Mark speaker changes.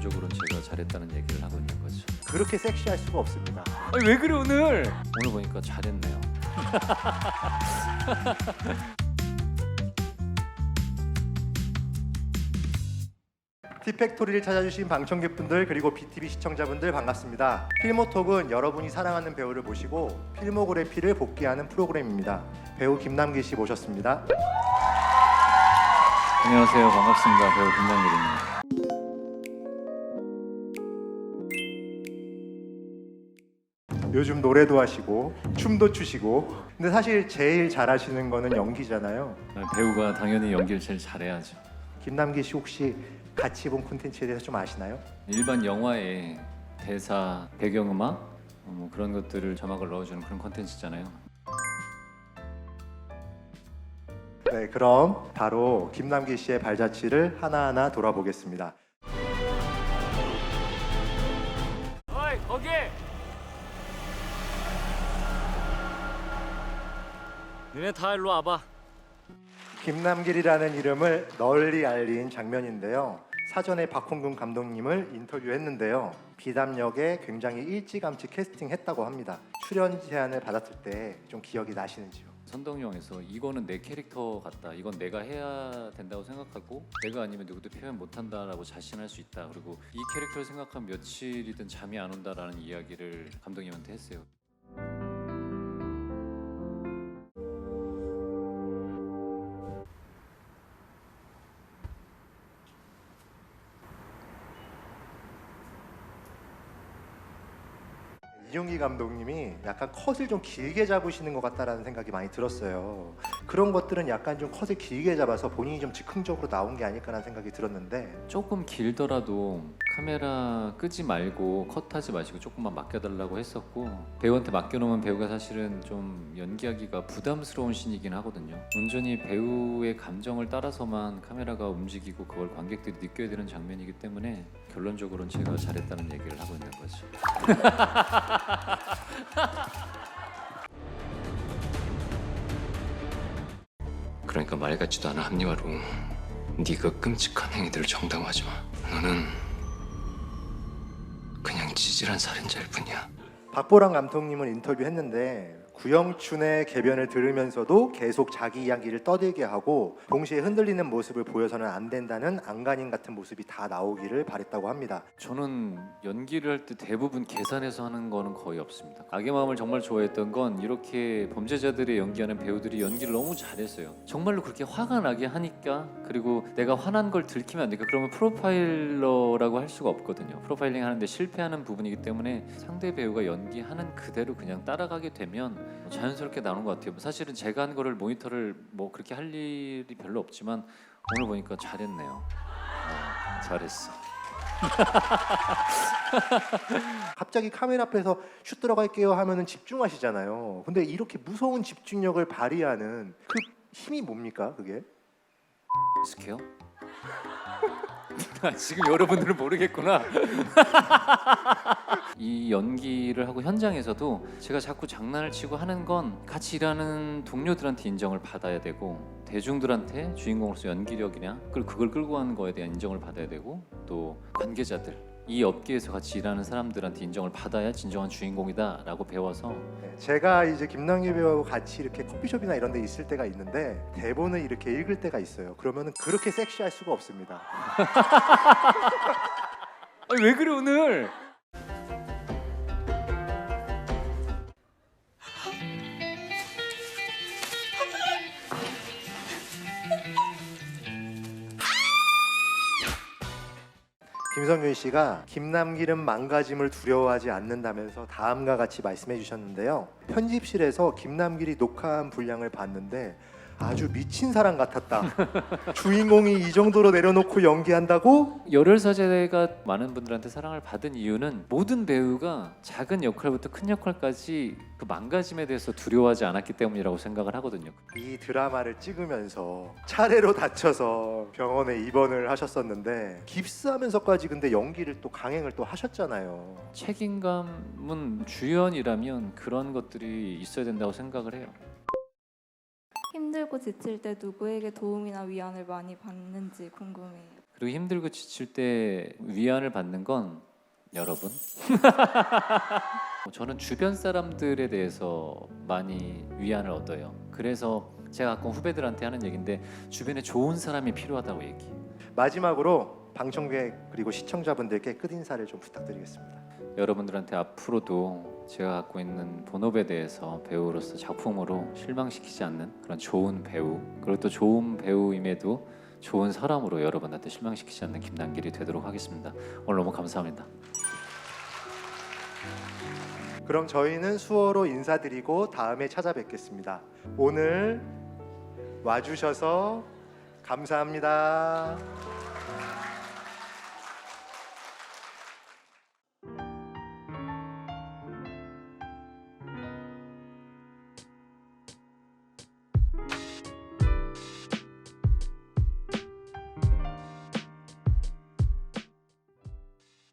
Speaker 1: 결론적으로는 제가 잘했다는 얘기를 하고 있는 거죠.
Speaker 2: 그렇게 섹시할 수가 없습니다.
Speaker 1: 아니 왜 그래 오늘? 오늘 보니까 잘했네요.
Speaker 2: 티팩토리를 찾아주신 방청객분들 그리고 BTV 시청자분들 반갑습니다. 필모톡은 여러분이 사랑하는 배우를 모시고 필모그래피를 복귀하는 프로그램입니다. 배우 김남길 씨 모셨습니다.
Speaker 1: 안녕하세요, 반갑습니다. 배우 김남길입니다.
Speaker 2: 요즘 노래도 하시고 춤도 추시고 근데 사실 제일 잘하시는 거는 연기잖아요.
Speaker 1: 배우가 당연히 연기를 제일 잘해야죠.
Speaker 2: 김남길 씨 혹시 같이 본 콘텐츠에 대해서 좀 아시나요?
Speaker 1: 일반 영화에 대사, 배경음악 뭐 그런 것들을 자막을 넣어주는 그런 콘텐츠잖아요.
Speaker 2: 네, 그럼 바로 김남길 씨의 발자취를 하나하나 돌아보겠습니다.
Speaker 1: 어이 거기! 너네 다 일로 와봐.
Speaker 2: 김남길이라는 이름을 널리 알린 장면인데요. 사전에 박홍근 감독님을 인터뷰했는데요. 비담 역에 굉장히 일찌감치 캐스팅했다고 합니다. 출연 제안을 받았을 때 좀 기억이 나시는지요?
Speaker 1: 선동영에서 이거는 내 캐릭터 같다. 이건 내가 해야 된다고 생각하고 내가 아니면 누구도 표현 못한다라고 자신할 수 있다. 그리고 이 캐릭터를 생각하면 며칠이든 잠이 안 온다라는 이야기를 감독님한테 했어요.
Speaker 2: 이용기 감독님이 약간 컷을 좀 길게 잡으시는 것 같다라는 생각이 많이 들었어요. 그런 것들은 약간 좀 컷을 길게 잡아서 본인이 좀 즉흥적으로 나온 게 아닐까라는 생각이 들었는데
Speaker 1: 조금 길더라도 카메라 끄지 말고 컷하지 마시고 조금만 맡겨달라고 했었고 배우한테 맡겨놓으면 배우가 사실은 좀 연기하기가 부담스러운 신이긴 하거든요. 온전히 배우의 감정을 따라서만 카메라가 움직이고 그걸 관객들이 느껴야 되는 장면이기 때문에 결론적으로는 제가 잘했다는 얘기를 하고 있는 거죠.
Speaker 3: 그러니까 말 같지도 않은 합리화로 네가 끔찍한 행위들을 정당화하지 마. 너는 그냥 지질한 살인자일 뿐이야.
Speaker 2: 박보람 감독님을 인터뷰했는데 구영춘의 개변을 들으면서도 계속 자기 이야기를 떠들게 하고 동시에 흔들리는 모습을 보여서는 안 된다는 안간힘 같은 모습이 다 나오기를 바랬다고 합니다.
Speaker 1: 저는 연기를 할 때 대부분 계산해서 하는 거는 거의 없습니다. 악의 마음을 정말 좋아했던 건 이렇게 범죄자들이 연기하는 배우들이 연기를 너무 잘했어요. 정말로 그렇게 화가 나게 하니까 그리고 내가 화난 걸 들키면 안 되니까 그러면 프로파일러라고 할 수가 없거든요. 프로파일링 하는데 실패하는 부분이기 때문에 상대 배우가 연기하는 그대로 그냥 따라가게 되면 자연스럽게 나오는 것 같아요. 사실은 제가 한 거를 모니터를 뭐 그렇게 할 일이 별로 없지만 오늘 보니까 잘했네요. 잘했어.
Speaker 2: 갑자기 카메라 앞에서 슛 들어갈게요 하면은 집중하시잖아요. 근데 이렇게 무서운 집중력을 발휘하는 그 힘이 뭡니까 그게?
Speaker 1: 익숙해요? 지금 여러분들은 모르겠구나. 이 연기를 하고 현장에서도 제가 자꾸 장난을 치고 하는 건 같이 일하는 동료들한테 인정을 받아야 되고 대중들한테 주인공으로서 연기력이냐 그걸 끌고 가는 거에 대한 인정을 받아야 되고 또 관계자들 이 업계에서 같이 일하는 사람들한테 인정을 받아야 진정한 주인공이다라고 배워서
Speaker 2: 제가 이제 김남길 배우하고 같이 이렇게 커피숍이나 이런 데 있을 때가 있는데 대본을 이렇게 읽을 때가 있어요. 그러면은 그렇게 섹시할 수가 없습니다.
Speaker 1: 아니 왜 그래 오늘?
Speaker 2: 김성균 씨가 김남길은 망가짐을 두려워하지 않는다면서 다음과 같이 말씀해 주셨는데요. 편집실에서 김남길이 녹화한 분량을 봤는데 아주 미친 사람 같았다. 주인공이 이 정도로 내려놓고 연기한다고?
Speaker 1: 열혈사제가 많은 분들한테 사랑을 받은 이유는 모든 배우가 작은 역할부터 큰 역할까지 그 망가짐에 대해서 두려워하지 않았기 때문이라고 생각을 하거든요.
Speaker 2: 이 드라마를 찍으면서 차례로 다쳐서 병원에 입원을 하셨었는데 깁스하면서까지 근데 연기를 또 강행을 또 하셨잖아요.
Speaker 1: 책임감은 주연이라면 그런 것들이 있어야 된다고 생각을 해요.
Speaker 4: 힘들고 지칠 때 누구에게 도움이나 위안을 많이 받는지 궁금해요.
Speaker 1: 그리고 힘들고 지칠 때 위안을 받는 건 여러분. 저는 주변 사람들에 대해서 많이 위안을 얻어요. 그래서 제가 가끔 후배들한테 하는 얘기인데 주변에 좋은 사람이 필요하다고 얘기해요.
Speaker 2: 마지막으로 방청객 그리고 시청자분들께 끝인사를 좀 부탁드리겠습니다.
Speaker 1: 여러분들한테 앞으로도 제가 갖고 있는 본업에 대해서 배우로서 작품으로 실망시키지 않는 그런 좋은 배우, 그리고 또 좋은 배우임에도 좋은 사람으로 여러분한테 실망시키지 않는 김남길이 되도록 하겠습니다. 오늘 너무 감사합니다.
Speaker 2: 그럼 저희는 수어로 인사드리고 다음에 찾아뵙겠습니다. 오늘 와주셔서 감사합니다.